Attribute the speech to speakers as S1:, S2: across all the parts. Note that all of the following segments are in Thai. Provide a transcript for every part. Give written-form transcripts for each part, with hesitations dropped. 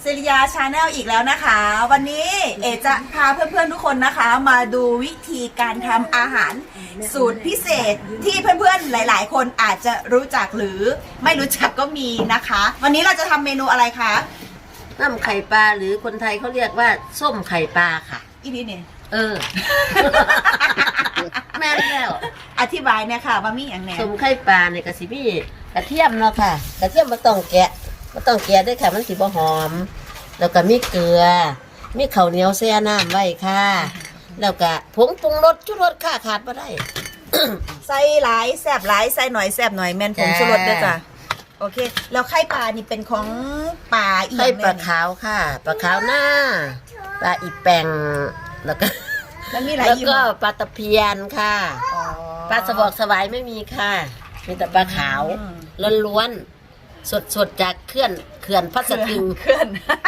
S1: ริยาชาแนลอีกแล้วนะคะ วันนี้เอจะพาเพื่อนๆทุกคนนะคะ มาดูวิธีการทำอาหารสูตรพิเศษที่เพื่อนๆหลายๆคนอาจจะรู้จักหรือไม่รู้จักก็มีนะคะ วันนี้เราจะทำเมนูอะไรคะ
S2: น้ำไข่ปลาหรือคนไทยเขาเรียกว่าส้มไข่ปลาค่ะ
S1: อีนี่เนี่ย
S2: แม่แล้ว
S1: อธิบายเนี่ยค่ะว่ามีอย่างไง
S2: ส้มไข่ปลาเนี่ยกะสิมีกระเทียมเนาะค่ะกระเทียมมาต้องแกะด้วยค่ะมันสิบ่หอมแล้วก็มีเกลือมีข้าวเหนียวแช่น้ำไว้ค่ะแล้วก็ผงปรุงรสชูรสค่ะขาดบ่ได้
S1: ใส่หลายแซ่บหลายใส่หน่อยแซ่บหน่อยแม่นผงชูรสด้วยจ้ะโอเคแล้วไข่ปลานี่เป็นของปลาอีกไข่
S2: ปลาขาวค่ะปลาขาวหน้าปลาอีแปงแล้วก็แล้วก็ปลาตะเพียนค่ะปลาสวอกสวายไม่มีค่ะมีแต่ปลาขาวล้วนๆสดจากเขื่อนพัสดุ
S1: เขื่อน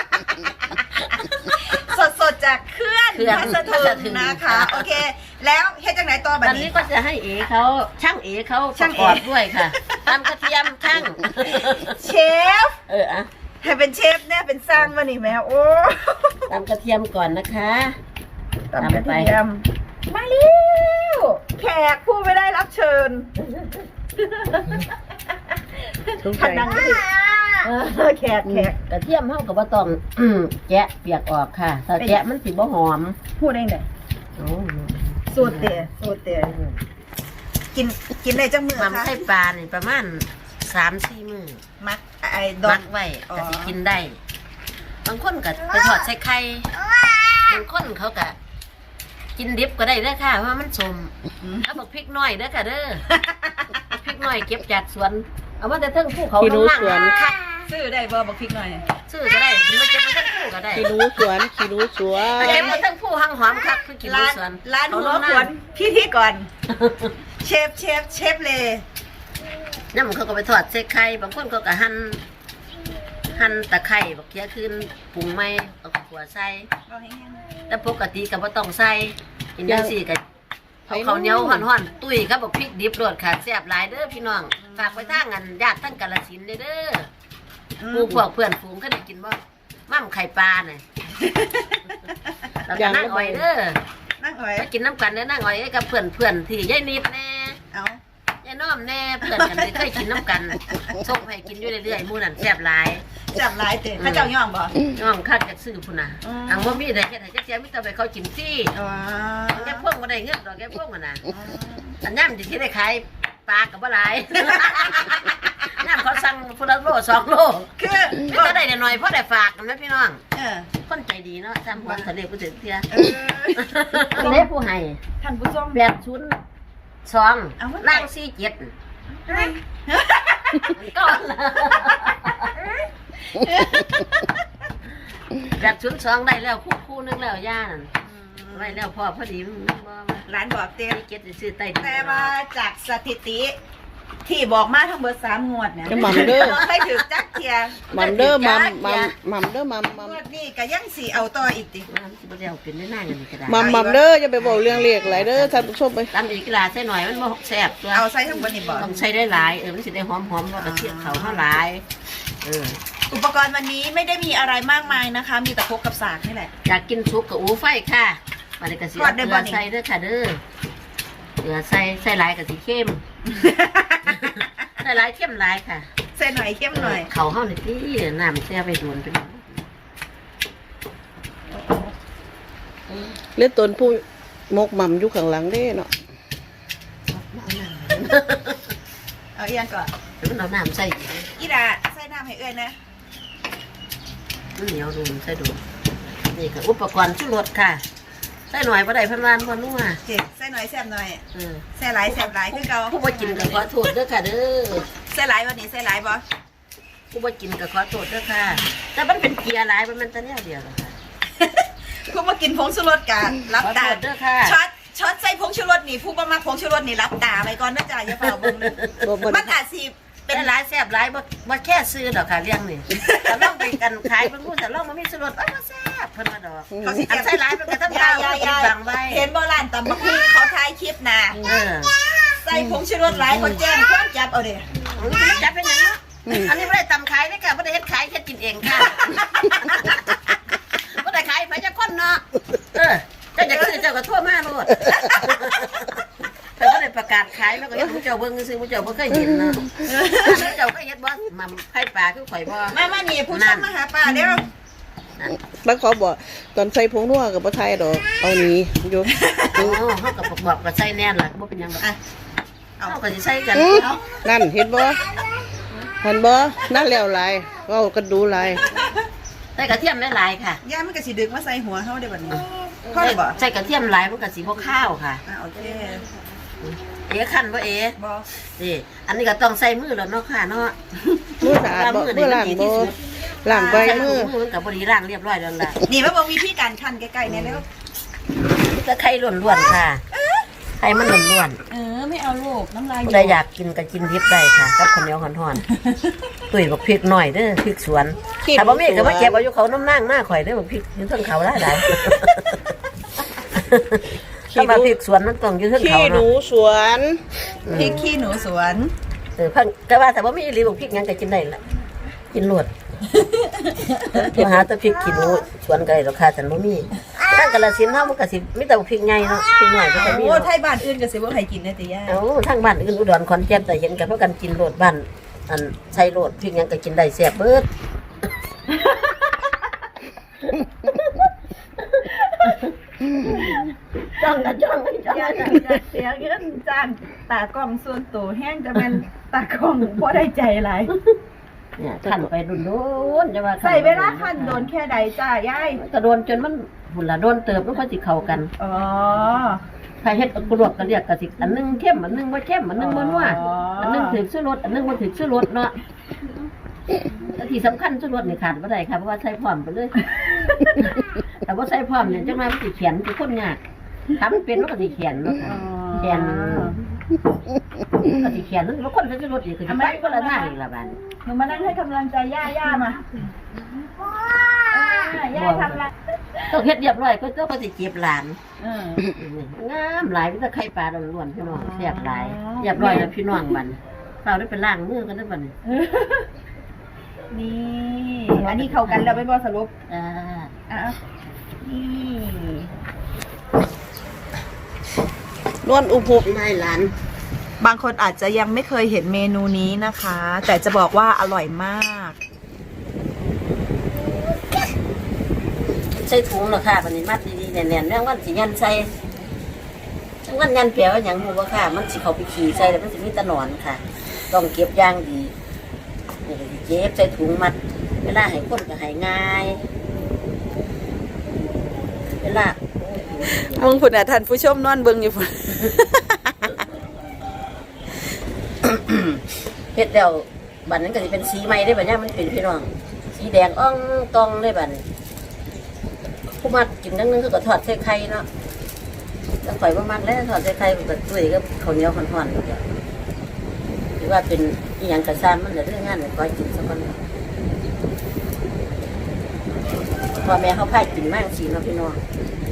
S1: สดจากเขื่อนพัสดุนะคะโอเคแล้วเฮ็ดจังไหนต่อแบบนี้
S2: ตอนนี้ก็จะให้ช่างเขาประกอบด้วยค่ะตำกระเทียมช่าง
S1: เชฟให้เป็นเชฟเนี่ยเป็นสร้างมานี่แม่โอ้
S2: ตำกระเทียมก่อนนะคะ
S1: ตำกระเทียมมาเร็วแขกผู้ไม่ได้รับเชิญขันดังก็ดิแขก
S2: กระเทียมเท่ากับว่าต้องแกะเปียกออกค่ะถ้าแกะมันสิบ่หอม
S1: พูดได้ไงสูตรเตี๋ยกินได้จังมือ
S2: ค่ะไข่ปลาเนี่ยประมาณ3-4 มื้อ
S1: มัก
S2: ไว้ก็สิกินได้บางคนก็ไปทอดใส่ไข่บางคนเขาก็กินดิบก็ได้เด้อค่ะเพราะมันสมเอาบอกพริกน้อยเด้อค่ะเด้อพริกน้อยเก็บจากสวนเอามาแต่เทิงภูเขาข้างล่างค่ะ
S1: ซื้อได้บ่บอกพริกน้อย
S2: ซื้อก็ได้หรือว่าเก็บมาเทิงภูก็ได้
S3: ขี้รู้สวนเ
S2: ก็บมาเทิงภูหอมครับคือกินรู้สวน
S1: ร้านหัวขวนพี่ก่อนเชฟเลย
S2: น้ำเขาก็ไปทอดใส่ไข่บางคนก็หั่นตะไคร้บักเขียขึ้นปรุงไม่เอาขัวใส่แต่ปกติก็บ่ต้องใส่กินจังซี่ก็เอาข้าวเหนียวห่อนๆตุ้ยครับบอกพริกดิบโดดขาดแซ่บหลายเด้อพี่น้องฝากไว้ทางกันญาติทั้งกาฬสินธุ์เด้อหมู่พวกเพื่อนฝูงก็ได้กินบ่มั่มไข่ปลาน่ะแล้วก็นั่งอ้อยเด้อ
S1: นั่งอ้อย
S2: ไปกินน้ำกันเด้อนั่งอ้อยกับเพื่อนที่ยายนิดแน่ยายน้อมแน่เพื่อนกันเคยกินน้ำกันส่งให้กินอยู่เรื่อยๆหมู่นั่นแซ่บหลาย
S1: เตะข้าเจ้าย่องบ่
S2: ย่องคักจากซื้อพุ่นน่ะอังบ่มีได้แค่ไหนจักเสียมีแต่ไปเขากินฟรีแกพวกบ่ได้เงินดอกแกพวกมันน่ะอันย่ำที่ได้ขายปลาก็บ่หลายย่ำเขาสั่งพุ่นละโล2 โลคือก็ได้หน่อยเพราะได้ฝากกันนะพี่น้องคนใจดีเนาะจำความทะเลผู้ถึงเที่ยทะเลผู้ให้
S1: ท่านผู้ชม
S2: 802ล่าง47ก่อน802ได้แล้วคู่นึงแล้วย่านั่นไว้แล้วพอดี
S1: ร้านบอกเต้
S2: เก็ตซื้อใต้
S1: แต่ว่าจากสถิติที่บอกมาทั้งเบอร์3 งวดเนี่ย
S3: มัมเด้อ
S1: ไม่ถือจักเทีย
S3: มัมเด้อมัม
S1: งวดนี้ก็ยังสีเอาต่ออีกติ
S2: บ่ได้เอาเป็นได้หน้าอย่างนี้ก็ได้
S3: มัมเด้ออย่าไปบอกเรื่องเรียกหลายเด้อท่านผู้ชมไป
S2: ตำอีกกะลาใส่หน่อยมันบ่แซ่บตัว
S1: เอาใส่ทั้งหมดนี่บ่
S2: ต้องใส่ได้หลายมันสิได้หอมๆแล้วก็เทียบเขาเท่าหลาย
S1: อุปกรณ์วันนี้ไม่ได้มีอะไรมากมายนะคะมีแต่ครกกับสากนี่แหละ
S2: อยากกินซุปกับอูไฟค่ะมาเลยกระเทียมเกลือใส่เด้อค่ะเด้อเกลือใส่หลายกับสีเข้มใส่หลายเข้มหลายค่ะ
S1: ใส่หน่อยเข้มหน่อย
S2: เขาเฮานี่ที่น้ำแช่ไปโดนไป
S3: เลือดตนผู้มกมัมอยู่ข้างหลังเด้เนาะ
S1: เอาอีกอย่างก่อน
S2: เอาน้ำใส่
S1: อีดาใส่น้ำให้เอื้อนนะ
S2: เหนียวดูใส่ดูนี่ค่ะอุปกรณ์ชูรสค่ะใส่หน่อยบ่ได้พันวานบ่นัว
S1: ใส่หน่อยแซ่บหน่อยใส่หลายคือเก่า
S2: ผู้บ่กินก็ขอโทษเด้อค่ะเด้อ
S1: ใส่หลายวันนี้ใส่หลายบ่
S2: ผู้บ่กินก็ขอโทษเด้อค่ะแต่มันเป็นเกียร์หลายมันตะแนวเดียวหรอกค่ะ
S1: ผู้บ่กินผงชูรสกันรับตา
S2: เด้อค่ะ
S1: ช็อตใส่ผงชูรสนี่ผู้บ่มาผงชูรสนี่รับตาไปก่อนนะจ๊ะอย่าเฝ้าเบิ่งมันอาจสิ
S2: เป็นหลายแซ่บหลายบ่แค่ซื้อดอกค่ะเรื่องนี่แต่ลองไปกันขายเพิ่นพูดแต่ลองมันมีชูรสบ่แซ่บเพิ่นว่าดอกเขาสิใส่หลายเพิ่นก็ทำยาวบางไว้
S1: เห็นบ่ร้านตำบักหุ่งเขาถ่ายคลิปน่ะใส่ผงชูรสหลายคนแจ้งความจับเอาเด้
S2: จับเป็นหยังเนาะอันนี้ไม่ได้ตำขายเลยค่ะไม่ได้เฮ็ดขายแค่กินเองค่ะแต่ก็ได้ประกาศขายแล้วก็ยังผู้เจ้าเบิ่งซื้อผู้เจ้าบ่เคยเห็นเนาะผู้เจ้าก็เฮ็ดบ่มัมไผ่ปลาคือข่อยบ่
S1: มานี่ผู้ชมมาหาป่าเด้อ
S3: แล้วเขาบอกตอนใส่ผงนัวกับบ่ไทยดอกเอานี้อยู่
S2: โอ้เฮาก็บอกก็ใส่แน่นล่ะบ่เป็นหยังดอกเฮาก็สิใส่กัน
S3: นั่นเห็นบ่เห็นบ่นั่นแล้วหลายเว้ากันดูหลาย
S2: ใส่กระเทียมหลายๆค่ะ
S1: ย่ามันก็สิดึกมาใส่หัวเฮาได้บัดนี้พ่อได้บ่
S2: ใส่กระเทียมหลายมันก็สิบ่ข้าวค่ะ
S1: โอเค
S2: เอ๋คั่นบ่เอ๋
S1: บ่
S2: นี่อันนี้ก็ต้องใส่มือแล้วเนาะค่ะเนาะ
S3: มือสะอาดบ่มือล้างบ่ล้างใบ
S2: ใส่
S3: มือ
S2: มือมันก็บ่ได้ล้างเรียบร้อยแล้วล่ะ
S1: นี่มาบอกวิธีการคั่นใกล้ๆเนี่ยแล้ว
S2: ตะไคร้ล้วนๆค่ะไข่มันล้วน
S1: ไม่เอาลูกน้ำลาย
S2: ๆผู้ใดอยากกินก็กินดิบได้ค่ะกับข้าวเหนียวห่อนๆตุ้ยบักพริกหน่อยเด้อพริกสวนถ้าบ่มีก็มาเก็บเอาอยู่เขาน้ำนั่งหน้าข่อยเด้อบักพริกอยู่เทิงเขาหลายๆถ้ามาพริกสวนมันต้องอยู่เทิง
S3: ขี้
S2: เขา
S3: หนู
S2: เนาะ
S3: สวน
S1: พริกขี้หนูสวน
S2: เพิ่นก็ว่าแต่บ่มีอีหลีบักพริกหยังก็กินได้ล่ะกินรวดตัวหาแต่พริกขี้หนูสวนก็ได้ราคาแต่บ่มีทางกาฬสินธุ์เฮามันก็สิมีแต่บักพริกใหญ่เนาะพริกน้อยบ่ค่อยมี
S1: โอ้
S2: เนาะ
S1: ไทยบ้านอื่นก็สิบ่ให้กินนะติย่า
S2: เอาทางบ้านอื่นอุดรขอนแก่นแต่เห็นกันเพราะกันกินโลดบ้านอันใช้โลดพริกหยังก็กินได้แซ่บเบิด จ้องกันจ้องกันจ้อง
S1: ย่า
S2: กัน
S1: จะเสียเงินจ้างตากล้องส่วนตัวแห้งจะเป็นตากล้องบ่ได้ใจหลาย
S2: เนี่ยขันไปโดนๆจะว่า
S1: ใส่เวลาคั่นโดนแค่ใดจ้ายาย
S2: มันก็โดนจนมันหุ่นละโดนเติบมันก็สิเข้ากัน
S1: อ๋อ
S2: ใครเฮ็ดกรวบก็เรียกก็สิอันหนึงเข้มอันหนึงบ่เข้มอันหนึงบ่นัวอันหนึงถึกชูรสอันหนึงบ่ถึกชูรสเนาะแต่ที่สำคัญชูรสนี่ขาดบ่ได้ค่ะเพราะว่าใส่พร้อมไปเลย แต่ว่าใส่พร้อมเนี่ยจังมามันสิเขียนคือคนยากทำเป็นมันก็สิเขียนเนาะค่ะเขียนก็สิเขียนแล้วคนใส่ชูรสนี่คือสิไปคนละทางอีกละบาด
S1: หนูมานั่งให้กำลังใจย่ามาย่าทำละ
S2: ต้องเฮ็ดเรียบร้อยก็ต้องก็สิเก็บหลาน
S1: เออ
S2: งามหลายมีแต่ไข่ปลาล้วนๆพี่น้องแซ่บหลายเรียบร้อยแล้วพี่น้องบัดเราได้ไปล้างมือกันได้บัดนี้
S1: นี่อันนี้เข้ากันแล้วไม่บอสรุป
S2: อ่า
S1: อ่ะนี่
S3: นวลอุบหุบ
S2: นายหลาน
S1: บางคนอาจจะยังไม่เคยเห็นเมนูนี้นะคะ แต่จะบอกว่าอร่อยมาก
S2: ใส่ถุงเนาะค่ะบัดนี้มัดดีๆแน่นๆแม่งวันสิยันใส่จังวันยันแปลว่าหยังฮู้บ่ค่ะมันสิเข้าไปขี่ใส่แล้วมันสิมีแตะหนอนค่ะ ต้องเก็บอย่างดีนี่ก็สิเก็บใส่ถุงมัด เวลาให้คนก็ให้ง่ายเวลา
S1: มึงพุ่นอ่ะท่านผู้ชมนอนเบิ่งอยู่พุ่น
S2: เฮ็ดแล้วบัดนั้นก็สิเป็นสีใหม่ได้บัดเนี้ยมันเป็นพี่น้องสีแดงอ่องตองได้บัดนี้ผู้มักกินทั้งนึงคือก็ทอดใส่ไข่เนาะแล้วข่อยบ่มักแล้วทอดใส่ไข่มันก็ตุ้ยกับข้าวเหนียวห่อนๆนี่แหละถือว่าเป็นอีหยังกระซ่ามันเหลือเรื่องงานก็กินสักคนพ่อแม่เขาพากินมากสิเนาะพี่น้อง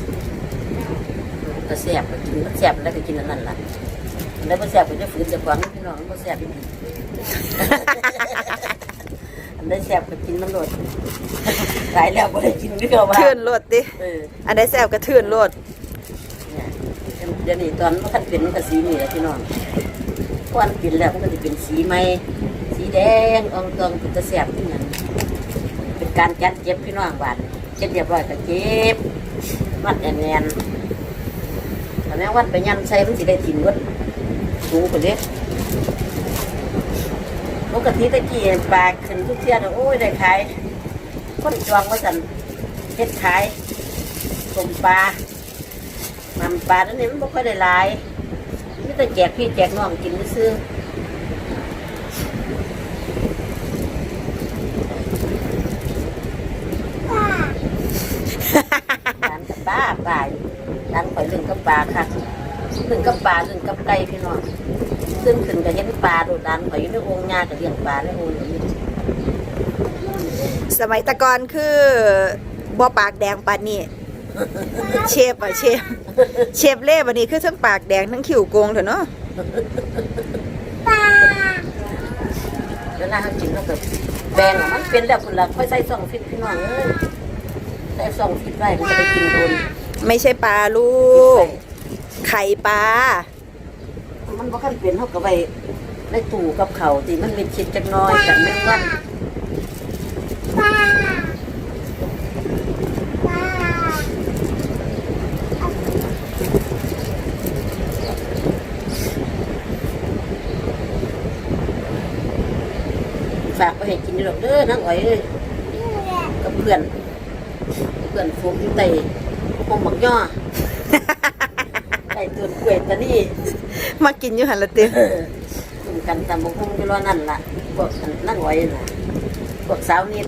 S2: ก็แซ่บก็กินก็แซ่บแล้วก็กินอันนั้นล่ะแล้วบ่แซ่บก็จะฝืนจะขวางพี่น้องบ่แซ่บอีก อันได้แซ่บก็กินน้ำโดดหลายแล้วบ่ได้กินคือเก่าว่า
S1: ทื่นโลดดิ อันได้แซวกระทื่นโลด
S2: เนี่ยเดี๋ยวนี้ตอนมันคันเป็นมันก็สีนี่แหละพี่น้องควันเป็นแล้วมันก็จะเป็นสีใหม่สีแดงอ่องตองเป็นตะแซ่บที่นั่นเป็นการจัดเก็บพี่น้องบ้านเก็บเรียบร้อยก็เก็บมัดแน่นๆแต่แม่วันไปยันใส่มันสิได้ถิ่นวัดสูงกว่าเด้ปกติตะกี้ปลาขึ้นทุกเที่ยโอ้ยได้ขายคนจองว่าสันเฮ็ดขายต้มปลามันปลาตัวนี้มันไม่ค่อยได้หลายนี่แต่แจกพี่แจกน้องกินซื้อร้านกับปลาร้านข่อยเรื่องกับปลาค่ะเรื่องกับปลาเรื่องกับไก่พี่น้องซึ่งขึ้นกับเห็นปลาโดดดันข่อยอยู่ในโองงากับเลี้ยงปลาในโองอยู่
S1: สมัยตะกอนคือบ่ปากแดงปานนี้ เชฟอ่ะเชฟเล่บันนี้คือทั้งปากแดงทั้งขิวโกงเถอะเนาะ
S2: เวลาเขากินเขาก็แบ่งออกมันเป็นแล้วคุณล่ะค่อยใส่ซองฟิตพี่น้องเอ้ยใส่ซองฟิตไว้มันจะได้กินโดน
S1: ไม่ใช่ปลาลูก
S2: ใ
S1: ไข่ปลา
S2: มันบ่คันเป็นเฮาก็ไว้ในตู้กับเขาวที่มันเป็นชิ้นจักหน้อยกันแม่งวันฝากไปให้กินดอกเด้อนางอ้อยเอ้ยกับเพื่อนฝูงอยู่ใต้ห้องหมักย่อ ใต้ต้นกล้วยตานี่
S1: มากินอยู่หันละติ
S2: คุมกันตามบงคงอยู่รอนั่นล่ะพวกนั่งอ้อยน่ะพวกสาวนิด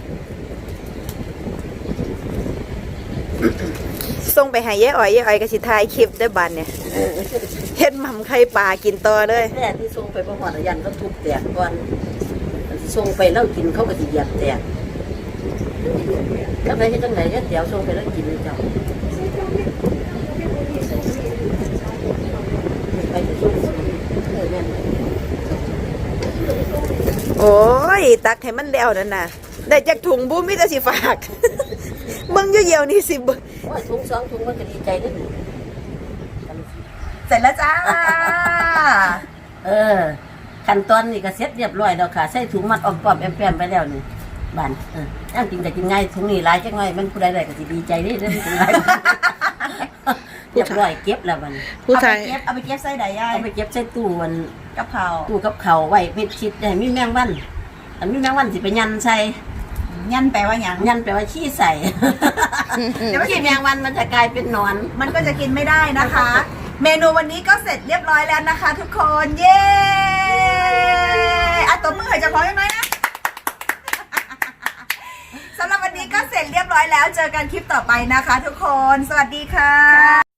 S1: ส่งไปให้ยายอ้อยก็สิถ่ายคลิปได้บัดเนี่ยเฮ็ดหม่ำไข่ปลากินต่อเลย
S2: แม่ที่ส่งไปประหอดยันก็ทุบแตกก่อนส่งไปแล้วกินเขาก็สิเหยียบแตกแล้วไปเฮ็ดจังได๋เดี๋ยวส่งไปแล้วกินเจ้าไปส่งแม่น
S1: โอ้ยตักให้มันแล้วนั่นน่ะได้จากถุงบุ้มมีแต่สิฝาก เบิ่งอยู่เดียวนี่สิเบิ่ง
S2: ว่าถุงสองถุงมันก็ดีใจเด้อ
S1: เสร็จแล้วจ้า
S2: ขั้นตอนนี้ก็เสร็จเรียบร้อยแล้วค่ะใส่ถุงมัดออมปอมแอมแปมไปแล้วนี่บ้านย่างกินก็กินง่ายถุงนี้หลายจังไงมันผู้ใดได้ก็สิดีใจเด้อถุงหลาย เรียบร้อยเก็บแล้วมัน
S3: ผู้ชาย
S1: เอาไปเก็บใส่ใดยาย
S2: เอาไปเก็บใส่ตู้มัน
S1: กับข้าว
S2: ตู้กับเขาวไว้มิดชิดให้มีแมงวันอันมีแมงวันสิไปยันใส่
S1: ยันแปลว่าหยัง
S2: ยันแปลว่าขี้ใส่ เดี๋ยวขี้แมงวันมันจะกลายเป็นหนอน
S1: มันก็จะกินไม่ได้นะคะ เมนูวันนี้ก็เสร็จเรียบร้อยแล้วนะคะ ทุกคน เย้ตบมือให้เจ้าของยังไงนะ สำหรับวันนี้ก็เสร็จเรียบร้อยแล้ว เจอกันคลิปต่อไปนะคะ ทุกคน สวัสดีค่ะ